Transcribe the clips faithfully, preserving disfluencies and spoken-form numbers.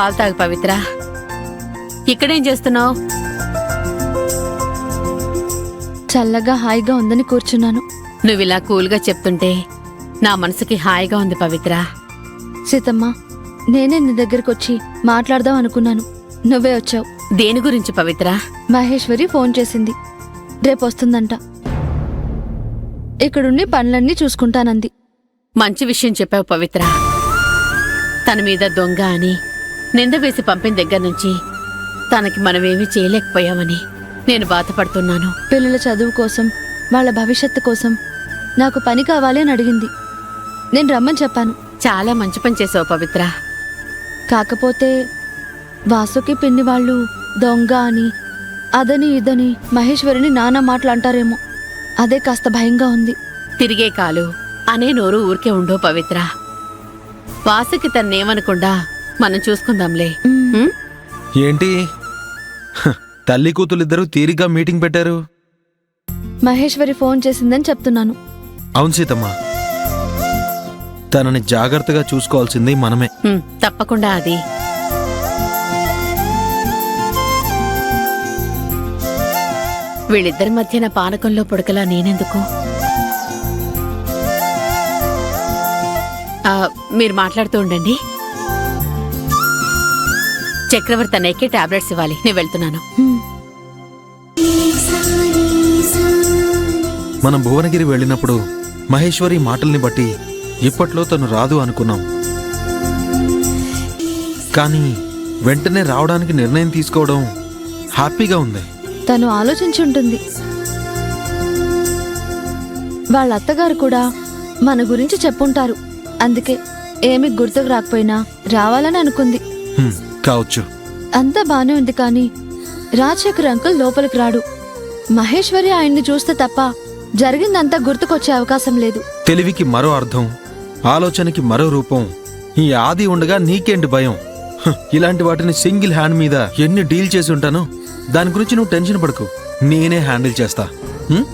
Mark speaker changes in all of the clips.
Speaker 1: పాలు తాగు పవిత్ర. ఇక్కడేం చేస్తున్నావు?
Speaker 2: చల్లగా హాయిగా ఉందని కూర్చున్నాను.
Speaker 1: నువ్విలా కూల్గా చెప్తుంటే నా మనసుకి హాయిగా ఉంది పవిత్ర.
Speaker 2: సీతమ్మ, నేనే నీ దగ్గరకొచ్చి మాట్లాడదాం అనుకున్నాను, నువ్వే వచ్చావు.
Speaker 1: దేని గురించి పవిత్ర?
Speaker 2: మహేశ్వరి ఫోన్ చేసింది, రేపొస్తుందంట. ఇక్కడుండి పనులన్నీ చూసుకుంటానంది.
Speaker 1: మంచి విషయం చెప్పావు పవిత్ర. తన మీద దొంగ అని నింద వేసి పంపిన దగ్గర నుంచి తనకి మనమేమీ చేయలేకపోయామని నేను బాధపడుతున్నాను.
Speaker 2: పిల్లల చదువు కోసం, వాళ్ళ భవిష్యత్తు కోసం నాకు పని కావాలి అని అడిగింది. నేను రమ్మని చెప్పాను.
Speaker 1: చాలా మంచి పని చేసావు పవిత్ర.
Speaker 2: కాకపోతే వాసుకి పిన్ని వాళ్ళు దొంగ అని, అదని ఇదని మహేశ్వరిని నానా మాటలు అంటారేమో, అదే కాస్త భయంగా ఉంది.
Speaker 1: తిరిగే కాలు అనే నోరు ఊరికే ఉండో పవిత్ర. వాసుకి తన్నేమనకుండా మనం చూసుకుందాంలే. ఉమ్?
Speaker 3: ఏంటి హ, తల్లి కూతులిద్దరూ తీరిగ్గా మీటింగ్ పెట్టారు?
Speaker 2: మహేశ్వరి ఫోన్ చేసిందని చెప్తున్నాను.
Speaker 3: అవును సీతమ్మ, తనని జాగ్రత్తగా చూసుకోవాల్సింది మనమే.
Speaker 1: ఉమ్, తప్పకుండా. అది వీళ్ళిద్దరి మధ్యన పానకంలో పుడకలా నేనెందుకు? ఆ, మీరు మాట్లాడుతూ ఉండండి. చక్రవర్తి అన్నయ్యకి టాబ్లెట్స్ ఇవ్వాలి, నేను వెళ్తున్నాను.
Speaker 2: హ్మ్.
Speaker 3: మనం భువనగిరి వెళ్ళినప్పుడు మహేశ్వరి మాటల్ని బట్టి ఇప్పట్లో తను రాదు అనుకున్నాం. కానీ వెంటనే రావడానికి నిర్ణయం తీసుకోవడం హ్యాపీగా ఉంది.
Speaker 2: తను ఆలోచించి ఉంటుంది. వాళ్ళ అత్తగారు కూడా మన గురించి చెప్పుంటారు. అందుకే ఏమి గుర్తుకు రాకపోయినా రావాలని అనుకుంది.
Speaker 3: హ్మ్, కావచ్చు.
Speaker 2: అంతా బానే ఉంది, కానీ రాజశేఖర్ అంకుల్ లోపలికి రాడు. మహేశ్వరి ఆయన్ని చూస్తే తప్ప జరిగిందంతా గుర్తుకొచ్చే అవకాశం లేదు.
Speaker 3: తెలివికి మరో అర్థం, ఆలోచనకి మరో రూపం. ఈ ఆది ఉండగా నీకేంటి భయం? హ, ఇలాంటి వాటిని సింగిల్ హ్యాండ్ మీద ఎన్ని డీల్ చేసి ఉంటానో. దాని గురించి నువ్వు టెన్షన్ పడకు, నేనే హ్యాండిల్ చేస్తా. హ్మ్?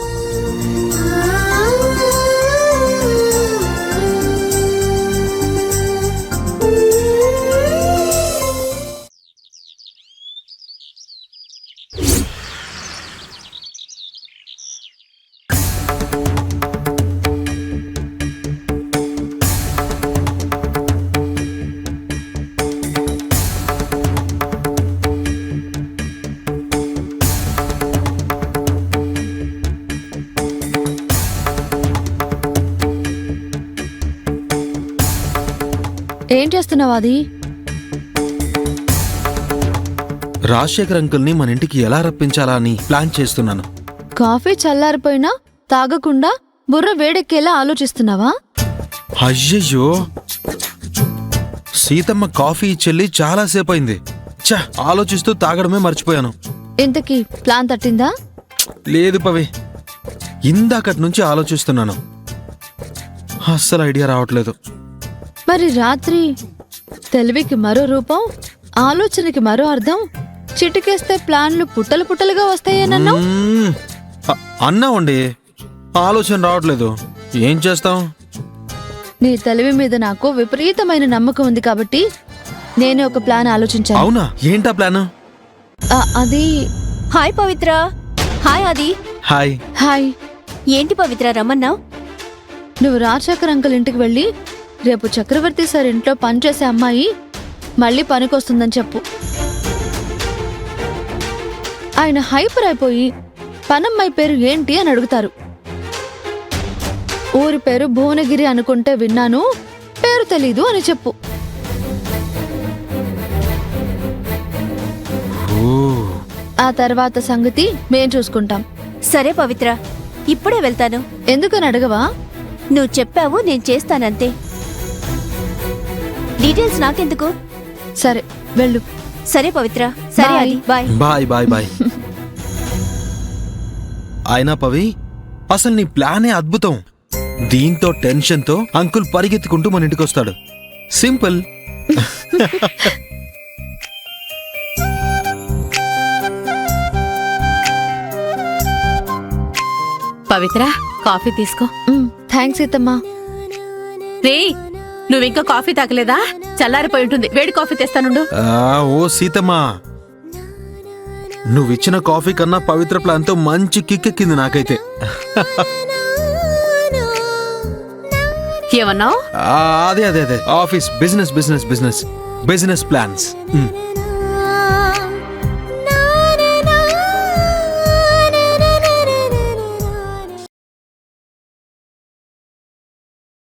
Speaker 2: ఏం చేస్తున్నావు అది?
Speaker 3: రాజశేఖర్ అంకుల్ని మన ఇంటికి ఎలా రప్పించాలా అని ప్లాన్ చేస్తున్నాను.
Speaker 2: కాఫీ చల్లారిపోయినా తాగకుండా బుర్ర వేడెక్కేలా ఆలోచిస్తున్నావా?
Speaker 3: అయ్యయ్యో, సీతమ్మ కాఫీ చెల్లి చాలాసేపు అయింది. చ ఆలోచిస్తూ తాగడమే మర్చిపోయాను.
Speaker 2: ఇంతకీ ప్లాన్ తట్టిందా?
Speaker 3: లేదు పవి, ఇందాకటి నుంచి ఆలోచిస్తున్నాను, అస్సలు ఐడియా రావట్లేదు.
Speaker 2: మరి రాత్రి తెలివికి మరో రూపం, ఆలోచనకి మరో అర్థం, చిటికేస్తే ప్లాన్లు పుట్టలు పుట్టలుగా వస్తాయేనన్నావు.
Speaker 3: మ్మ్. అ- అన్నావండి, ఆలోచన రావట్లేదు. ఏం చేస్తాం?
Speaker 2: నీ తెలివి మీద నాకు విపరీతమైన నమ్మకం ఉంది కాబట్టి నేనే ఒక ప్లాన్ ఆలోచించాను.
Speaker 3: అవునా? ఏంటా ప్లాన్?
Speaker 2: ఆ, అది
Speaker 4: hi Pavitra. Hi Adi.
Speaker 3: Hi.
Speaker 2: Hi.
Speaker 4: ఏంటి పవిత్ర రమ్మన్నావు?
Speaker 2: నువ్వు రాజశేఖర్ అంకుల్ ఇంటికి వెళ్ళి రేపు చక్రవర్తి సార్ ఇంట్లో పనిచేసే అమ్మాయి మళ్ళీ పనికొస్తుందని చెప్పు. ఆయన హైపర్ అయిపోయి పనమ్మాయి పేరు ఏంటి అని అడుగుతారు. ఊరి పేరు భువనగిరి అనుకుంటే విన్నాను, పేరు తెలీదు అని చెప్పు.
Speaker 3: ఓ,
Speaker 2: ఆ తర్వాత సంగతి మేం చూసుకుంటాం.
Speaker 4: సరే పవిత్ర, ఇప్పుడే వెళ్తాను.
Speaker 2: ఎందుకని అడగవా?
Speaker 4: నువ్వు చెప్పావు, నేను చేస్తానంతే. డీటెయిల్స్ నాకెందుకు?
Speaker 2: సరే వెళ్ళు.
Speaker 4: సరే పవిత్ర. సరే
Speaker 2: Bye.
Speaker 4: ఆది, బాయ్.
Speaker 3: Bye bye bye. అయినా పవి, అసలు నీ ప్లానే అద్భుతం. దీంతో టెన్షన్తో అంకుల్ పరిగెత్తుకుంటూ మన ఇంటికి వస్తాడు. సింపుల్.
Speaker 1: పవిత్ర, కాఫీ తీసుకో.
Speaker 2: థ్యాంక్స్ సీతమ్మా.
Speaker 1: రే, నువ్వింకా కాఫీ తాగలేదా? చల్లారిపోయి ఉంటుంది. వేడి కాఫీ తెస్తానుండు.
Speaker 3: ఆ, ఓ సీతమ్మా, నువ్విచ్చిన కాఫీ కన్నా పవిత్ర ప్లాన్తో మంచి కిక్కెక్కింది నాకైతే.
Speaker 1: ఏమన్నావు?
Speaker 3: ఆ, అదే అదే అదే office business business business business plans. ఉమ్.